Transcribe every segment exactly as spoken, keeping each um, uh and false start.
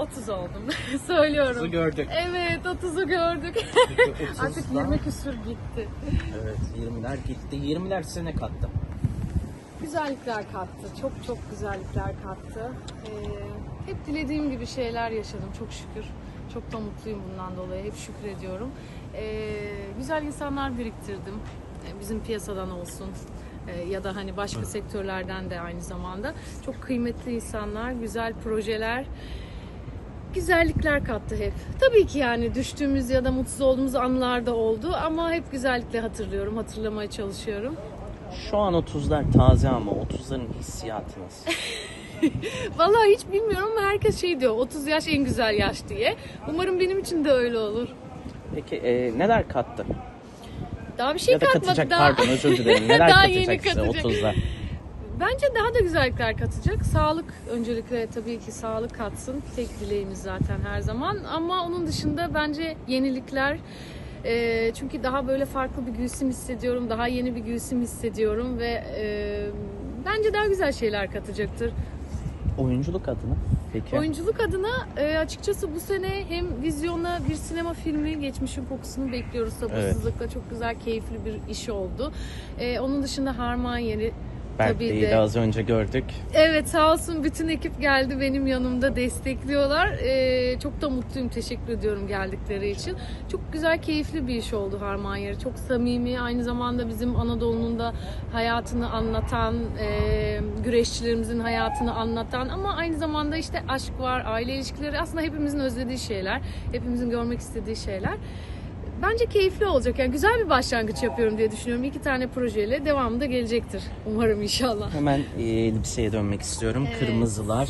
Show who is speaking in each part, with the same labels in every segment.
Speaker 1: otuz oldum. Söylüyorum.
Speaker 2: otuzu gördük.
Speaker 1: Evet, otuzu gördük.
Speaker 2: otuzdan
Speaker 1: Artık yirmi küsür gitti.
Speaker 2: Evet, yirmiler gitti. yirmiler size ne kattı?
Speaker 1: Güzellikler kattı. Çok çok güzellikler kattı. Ee, hep dilediğim gibi şeyler yaşadım çok şükür. Çok da mutluyum bundan dolayı. Hep şükrediyorum. Ee, güzel insanlar biriktirdim. Ee, bizim piyasadan olsun. Ee, ya da hani başka sektörlerden de aynı zamanda. Çok kıymetli insanlar, güzel projeler, güzellikler kattı hep. Tabii ki yani düştüğümüz ya da mutsuz olduğumuz anlar da oldu ama hep güzellikle hatırlıyorum, hatırlamaya çalışıyorum.
Speaker 2: Şu an otuzlar taze ama otuzların hissiyatı nasıl?
Speaker 1: Vallahi hiç bilmiyorum ama herkes şey diyor, otuz yaş en güzel yaş diye. Umarım benim için de öyle olur.
Speaker 2: Peki e, neler kattı?
Speaker 1: Daha bir şey
Speaker 2: Ya da
Speaker 1: katmadı
Speaker 2: katacak,
Speaker 1: daha.
Speaker 2: pardon özür dilerim. Neler
Speaker 1: Daha
Speaker 2: katacak
Speaker 1: yeni
Speaker 2: size
Speaker 1: katacak.
Speaker 2: otuzlar?
Speaker 1: Bence daha da güzellikler katacak. Sağlık öncelikle tabii ki sağlık katsın. Tek dileğimiz zaten her zaman. Ama onun dışında bence yenilikler. E, çünkü daha böyle farklı bir Gülsüm hissediyorum. Daha yeni bir Gülsüm hissediyorum ve e, bence daha güzel şeyler katacaktır.
Speaker 2: Oyunculuk adına peki?
Speaker 1: Oyunculuk adına e, açıkçası bu sene hem vizyona bir sinema filmi Geçmişin Kokusunu bekliyoruz sabırsızlıkla. Evet. Çok güzel, keyifli bir iş oldu. E, onun dışında Harman Yeri
Speaker 2: Berk
Speaker 1: tabii
Speaker 2: Bey'i
Speaker 1: de.
Speaker 2: de az önce gördük.
Speaker 1: Evet, sağ olsun bütün ekip geldi benim yanımda destekliyorlar. E, çok da mutluyum, teşekkür ediyorum geldikleri için. Çok güzel, keyifli bir iş oldu Harman Yeri. Çok samimi, aynı zamanda bizim Anadolu'nun da hayatını anlatan, e, güreşçilerimizin hayatını anlatan ama aynı zamanda işte aşk var, aile ilişkileri, aslında hepimizin özlediği şeyler, hepimizin görmek istediği şeyler. Bence keyifli olacak. Yani güzel bir başlangıç yapıyorum diye düşünüyorum. İki tane projeyle devamı da gelecektir. Umarım inşallah.
Speaker 2: Hemen e, elbiseye dönmek istiyorum.
Speaker 1: Evet.
Speaker 2: Kırmızılar.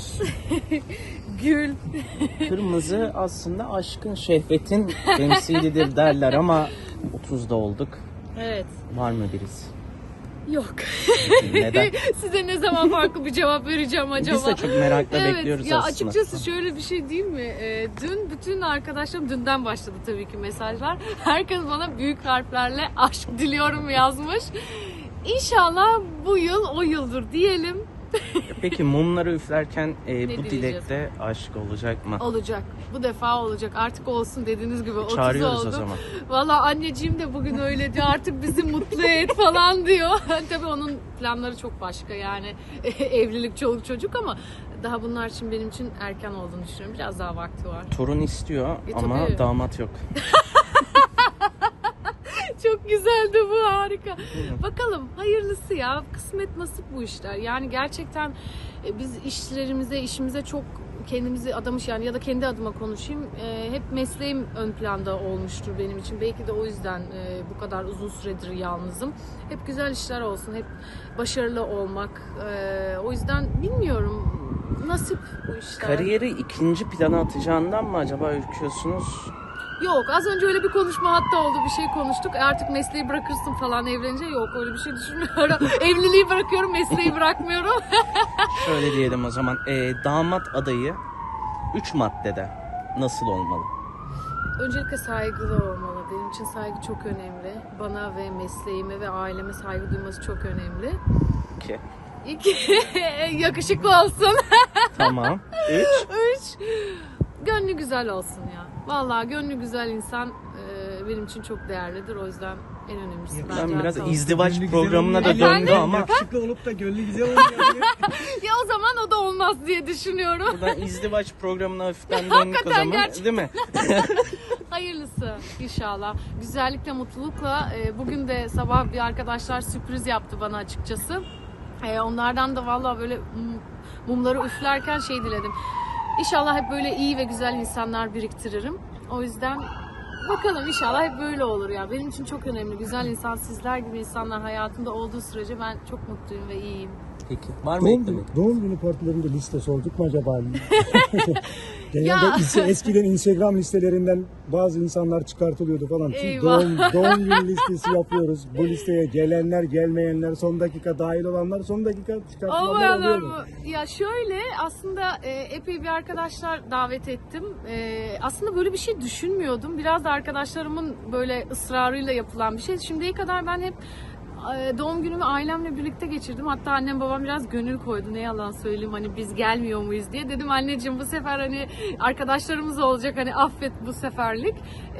Speaker 1: Gül.
Speaker 2: Kırmızı aslında aşkın, şehvetin temsilidir derler ama otuzda olduk.
Speaker 1: Evet.
Speaker 2: Var mı birisi?
Speaker 1: Yok.
Speaker 2: Neden?
Speaker 1: Size ne zaman farklı bir cevap vereceğim acaba?
Speaker 2: Biz de çok merakla
Speaker 1: evet,
Speaker 2: bekliyoruz
Speaker 1: ya
Speaker 2: aslında.
Speaker 1: açıkçası şöyle bir şey değil mi? Ee, dün bütün arkadaşlarım, dünden başladı tabii ki mesajlar. Herkes bana büyük harflerle aşk diliyorum yazmış. İnşallah bu yıl o yıldır diyelim.
Speaker 2: Peki mumları üflerken e, bu
Speaker 1: dileyeceğiz?
Speaker 2: dilekte aşk olacak mı?
Speaker 1: Olacak. Bu defa olacak. Artık olsun dediğiniz gibi otuz
Speaker 2: Çağırıyoruz
Speaker 1: oldu.
Speaker 2: o zaman.
Speaker 1: Valla anneciğim de bugün öyle diyor. Artık bizi mutlu et falan diyor. Tabii onun planları çok başka yani. Evlilik, çoluk çocuk ama daha bunlar için benim için erken olduğunu düşünüyorum. Biraz daha vakti var.
Speaker 2: Torun istiyor
Speaker 1: E,
Speaker 2: ama
Speaker 1: tabii.
Speaker 2: damat yok.
Speaker 1: Çok güzeldi bu, harika. Bakalım hayırlısı ya. Kısmet nasip bu işler. Yani gerçekten e, biz işlerimize, işimize çok kendimizi adamış yani ya da kendi adıma konuşayım. E, hep mesleğim ön planda olmuştur benim için. Belki de o yüzden e, bu kadar uzun süredir yalnızım. Hep güzel işler olsun, hep başarılı olmak. E, o yüzden bilmiyorum. Nasip bu işler.
Speaker 2: Kariyeri ikinci plana atacağından mı acaba ürküyorsunuz?
Speaker 1: Yok, az önce öyle bir konuşma hatta oldu, bir şey konuştuk. E artık mesleği bırakırsın falan evlenince, yok öyle bir şey düşünmüyorum. Evliliği bırakıyorum, mesleği bırakmıyorum.
Speaker 2: Şöyle diyelim o zaman. E, damat adayı üç maddede nasıl olmalı?
Speaker 1: Öncelikle saygılı olmalı. Benim için saygı çok önemli. Bana ve mesleğime ve aileme saygı duyması çok önemli.
Speaker 2: İki.
Speaker 1: İki, yakışıklı olsun.
Speaker 2: Tamam. Üç.
Speaker 1: Üç, gönlü güzel olsun ya. Vallahi gönlü güzel insan e, benim için çok değerlidir. O yüzden en önemlisi bence.
Speaker 2: Ben biraz
Speaker 1: hatta o.
Speaker 2: izdivaç
Speaker 3: Gönlü
Speaker 2: programına da
Speaker 3: güzel olmuyor.
Speaker 2: döndü ama
Speaker 3: Yakışıklı olup da gönlü güzel olmuyor.
Speaker 1: Ya o zaman o da olmaz diye düşünüyorum.
Speaker 2: buradan izdivaç programına hafiften döndük o
Speaker 1: Hakikaten
Speaker 2: zaman.
Speaker 1: gerçekten.
Speaker 2: Değil mi?
Speaker 1: Hayırlısı inşallah. Güzellikle, mutlulukla. E, bugün de sabah bir arkadaşlar sürpriz yaptı bana açıkçası. E, onlardan da vallahi böyle mumları üflerken şey diledim. İnşallah hep böyle iyi ve güzel insanlar biriktiririm. O yüzden bakalım inşallah hep böyle olur ya. Benim için çok önemli. Güzel insan, sizler gibi insanlar hayatımda olduğu sürece ben çok mutluyum ve iyiyim.
Speaker 2: Peki. Var mı
Speaker 3: doğum,
Speaker 2: eklemek?
Speaker 3: doğum günü partilerinde liste sorduk mu acaba? Genelde
Speaker 1: Ya.
Speaker 3: ise eskiden Instagram listelerinden bazı insanlar çıkartılıyordu falan. Şimdi
Speaker 1: Eyvah.
Speaker 3: doğum, doğum günü listesi yapıyoruz. Bu listeye gelenler, gelmeyenler, son dakika dahil olanlar, son dakika çıkartılanlar oluyor mu?
Speaker 1: Olmayanlar mı? Ya şöyle aslında e, epey bir arkadaşlar davet ettim. E, aslında böyle bir şey düşünmüyordum. Biraz da arkadaşlarımın böyle ısrarıyla yapılan bir şey. Şimdiye kadar ben hep e, doğum günümü ailemle birlikte geçirdim. Hatta annem babam biraz gönül koydu. Ne yalan söyleyeyim, hani biz gelmiyor muyuz diye. Dedim anneciğim, bu sefer hani arkadaşlarımız olacak, hani affet bu seferlik.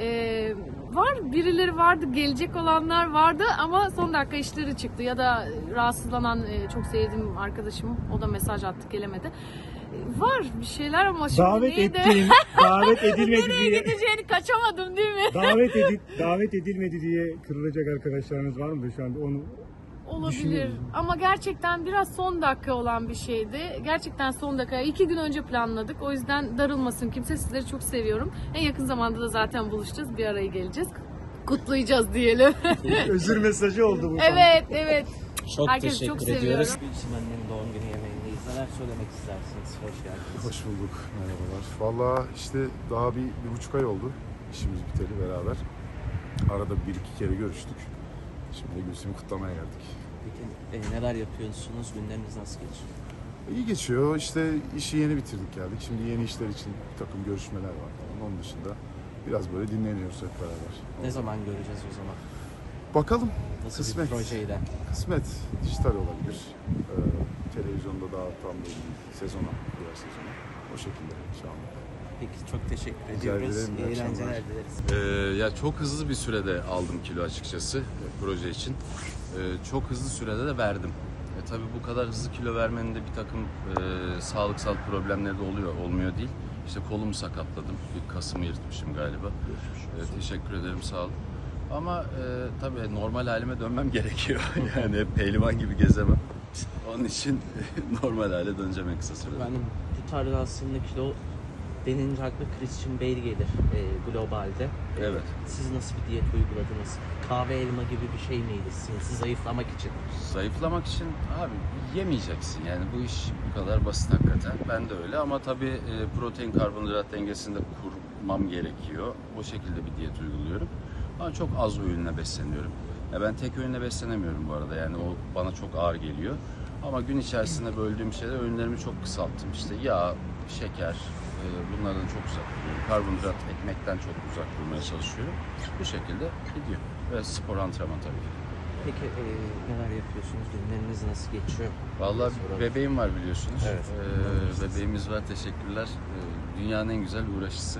Speaker 1: E, var birileri vardı, gelecek olanlar vardı ama son dakika işleri çıktı. Ya da rahatsızlanan e, çok sevdiğim arkadaşım, o da mesaj attı, gelemedi. E, var bir şeyler ama şimdi
Speaker 3: Davet
Speaker 1: neydi?
Speaker 3: ettiğin, davet edilmedi
Speaker 1: Nereye
Speaker 3: diye.
Speaker 1: gideceğini kaçamadım değil mi?
Speaker 3: Davet edip davet edilmedi diye kırılacak arkadaşlarınız var mı şu anda onu?
Speaker 1: Olabilir
Speaker 3: Düşünüyorum.
Speaker 1: ama gerçekten biraz son dakika olan bir şeydi. Gerçekten son dakika. iki gün önce planladık. O yüzden darılmasın kimse. Sizleri çok seviyorum. En yakın zamanda da zaten buluşacağız. Bir araya geleceğiz. Kutlayacağız diyelim.
Speaker 3: Özür mesajı oldu bu.
Speaker 1: Evet, evet.
Speaker 2: Çok
Speaker 1: Herkesi
Speaker 2: teşekkür
Speaker 1: çok
Speaker 2: ediyoruz.
Speaker 1: seviyorum.
Speaker 2: Gülsüm annenin doğum günü yemeğindeyiz. Neler söylemek istersiniz? Hoş geldiniz.
Speaker 4: Hoş bulduk, merhabalar. Valla işte daha bir, bir buçuk ay oldu işimiz biteli beraber. Arada bir iki kere görüştük. Şimdi de Gülsüm'ü kutlamaya geldik.
Speaker 2: Peki e, neler yapıyorsunuz? Günleriniz nasıl geçiyor?
Speaker 4: İyi geçiyor. İşte işi yeni bitirdik geldik. Şimdi yeni işler için bir takım görüşmeler var falan. Onun dışında biraz böyle dinleniyoruz hep beraber.
Speaker 2: Ne zaman göreceğiz o zaman?
Speaker 4: Bakalım.
Speaker 2: Nasıl
Speaker 4: Kısmet.
Speaker 2: bir projeyle?
Speaker 4: Kısmet. Dijital olabilir. Ee, televizyonda daha tam böyle bir sezona, diğer sezona. O şekilde inşallah.
Speaker 2: Peki çok teşekkür
Speaker 4: Rica
Speaker 2: ediyoruz.
Speaker 4: ederim, iyi
Speaker 2: İyi eğlenceler
Speaker 4: akşamlar.
Speaker 2: dileriz.
Speaker 5: Ee, ya çok hızlı bir sürede aldım kilo açıkçası e, proje için. Ee, çok hızlı sürede de verdim. E, tabii bu kadar hızlı kilo vermenin de bir takım e, sağlıksal problemleri de oluyor, olmuyor değil. İşte kolumu sakatladım, bir kasımı yırtmışım galiba. E, teşekkür ederim, sağ olun. Ama e, tabii normal halime dönmem gerekiyor. Yani hep pehlivan gibi gezemem. Onun için normal hale döneceğim en kısa sürede.
Speaker 2: Benim bu tarz aslında kilo denince akla Christian Bale gelir e, globalde. E,
Speaker 5: Evet.
Speaker 2: Siz nasıl bir diyet uyguladınız? Kahve elma gibi bir şey miydi sizin? Siz zayıflamak için.
Speaker 5: Zayıflamak için abi yemeyeceksin yani bu iş bu kadar basit hakikaten. Ben de öyle ama tabii e, protein karbonhidrat dengesini de kurmam gerekiyor. O şekilde bir diyet uyguluyorum. Ama çok az öğünle besleniyorum. Ya ben tek öğünle beslenemiyorum bu arada yani o bana çok ağır geliyor. Ama gün içerisinde böldüğüm şeyler öğünlerimi çok kısalttım. İşte yağ, şeker e, bunlardan çok uzak duruyorum. Karbonhidrat, ekmekten çok uzak durmaya çalışıyorum. Bu şekilde gidiyor. Ve spor antrenman tabii ki.
Speaker 2: Peki e, neler yapıyorsunuz? Günleriniz nasıl geçiyor?
Speaker 5: Vallahi
Speaker 2: Soralım.
Speaker 5: bebeğim var biliyorsunuz.
Speaker 2: Evet.
Speaker 5: Ee, bebeğimiz var, teşekkürler. Ee, dünyanın en güzel uğraşısı.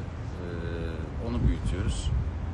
Speaker 5: Ee, onu büyütüyoruz.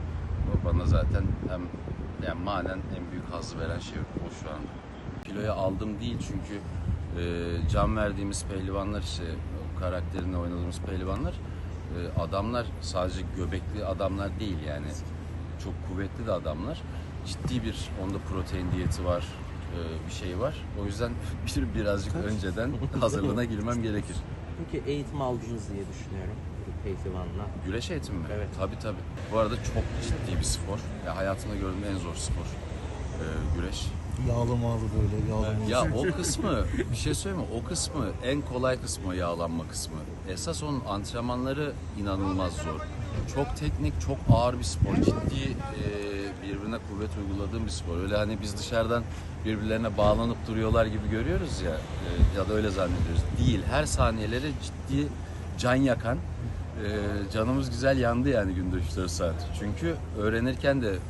Speaker 5: O bana zaten hem yani manen en büyük hazzı veren şey o şu anda. Kiloya aldım değil çünkü e, can verdiğimiz pehlivanlar işte o karakterini oynadığımız pehlivanlar e, adamlar sadece göbekli adamlar değil yani çok kuvvetli de adamlar. Ciddi bir onda protein diyeti var, e, bir şey var. O yüzden bir birazcık önceden hazırlığına girmem gerekir.
Speaker 2: Peki eğitim aldınız diye düşünüyorum. Bu pehlivanla.
Speaker 5: Güreş eğitimi mi?
Speaker 2: Evet.
Speaker 5: Tabii tabii. Bu arada çok ciddi bir spor. Ya hayatımda gördüğüm en zor spor. E, güreş.
Speaker 6: Yağlı mağlı böyle yağlı
Speaker 5: Ya o kısmı, bir şey söyleyeyim mi? O kısmı en kolay kısmı, yağlanma kısmı. Esas onun antrenmanları inanılmaz zor. Çok teknik, çok ağır bir spor. Ciddi e, birbirine kuvvet uyguladığım bir spor. Öyle hani biz dışarıdan birbirlerine bağlanıp duruyorlar gibi görüyoruz ya e, ya da öyle zannediyoruz. Değil. Her saniyeleri ciddi can yakan, e, canımız güzel yandı yani günde üç dört saat. Çünkü öğrenirken de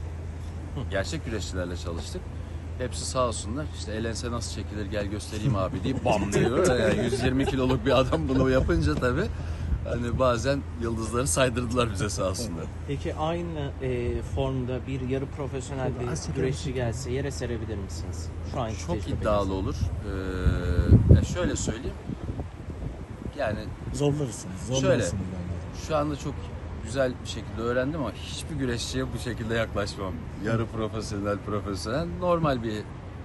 Speaker 5: gerçek güreşçilerle çalıştık. Hepsi sağ olsunlar. İşte elense nasıl çekilir gel göstereyim abi diye bam diyor. Yani yüz yirmi kiloluk bir adam bunu yapınca tabii hani bazen yıldızları saydırdılar bize sağ olsunlar.
Speaker 2: Peki aynı e, formda bir yarı profesyonel bir güreşçi gelse yere serebilir misiniz? Şu an
Speaker 5: Çok iddialı olur. Ee, ya şöyle söyleyeyim. Yani
Speaker 6: Zorlarsınız.
Speaker 5: Şöyle.
Speaker 6: Zorlarsınız bence.
Speaker 5: şu anda çok güzel bir şekilde öğrendim ama hiçbir güreşçiye bu şekilde yaklaşmam. Yarı profesyonel, profesyonel, normal bir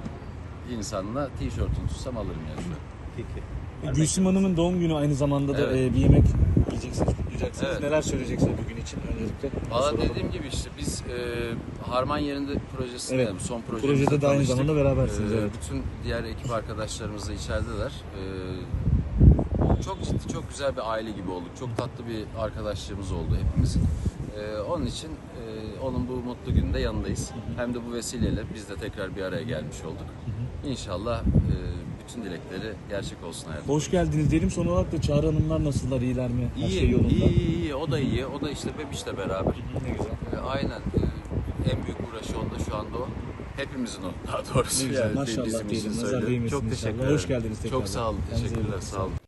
Speaker 5: insanla tişörtünü tutsam alırım yani şu an.
Speaker 2: Peki.
Speaker 6: Gülsüm Hanım'ın doğum günü aynı zamanda da
Speaker 5: Evet.
Speaker 6: e, bir yemek yiyeceksiniz, kutlayacaksınız.
Speaker 5: Evet.
Speaker 6: Neler söyleyeceksiniz bugün için öncelikle?
Speaker 5: Valla
Speaker 6: Soralım.
Speaker 5: dediğim gibi işte biz e, Harman yerinde projesinde
Speaker 6: Evet.
Speaker 5: son projemizde
Speaker 6: Projede de aynı
Speaker 5: tanıştık.
Speaker 6: zamanda berabersiniz,
Speaker 5: E,
Speaker 6: evet.
Speaker 5: Bütün diğer ekip arkadaşlarımız da içerideler. E, çok ciddi, çok güzel bir aile gibi olduk. Çok tatlı bir arkadaşlığımız oldu hepimizin. E, onun için e, onun bu mutlu gününde yanındayız. Hem de bu vesileyle biz de tekrar bir araya gelmiş olduk. İnşallah e, bütün dilekleri gerçek olsun hayatım.
Speaker 6: Hoş geldiniz diyelim. Son olarak da Çağrı Hanımlar nasıllar, iyiler mi? Her
Speaker 5: İyi,
Speaker 6: şey yolunda.
Speaker 5: iyi, iyi, iyi. O da iyi. O da işte Bebiş'le beraber.
Speaker 6: Ne güzel.
Speaker 5: E, aynen. E, en büyük uğraşı onda şu anda o. Hepimizin o daha doğrusu.
Speaker 6: Ne güzel,
Speaker 5: yani
Speaker 6: maşallah
Speaker 5: bizim için
Speaker 6: diyelim. Nazar
Speaker 5: söylüyorum.
Speaker 6: değmesin
Speaker 5: Çok teşekkür
Speaker 6: inşallah.
Speaker 5: ederim.
Speaker 6: Hoş geldiniz tekrar.
Speaker 5: Çok sağ olun.
Speaker 6: Kendinize iyi
Speaker 5: Teşekkürler.
Speaker 6: bakın.
Speaker 5: Sağ olun.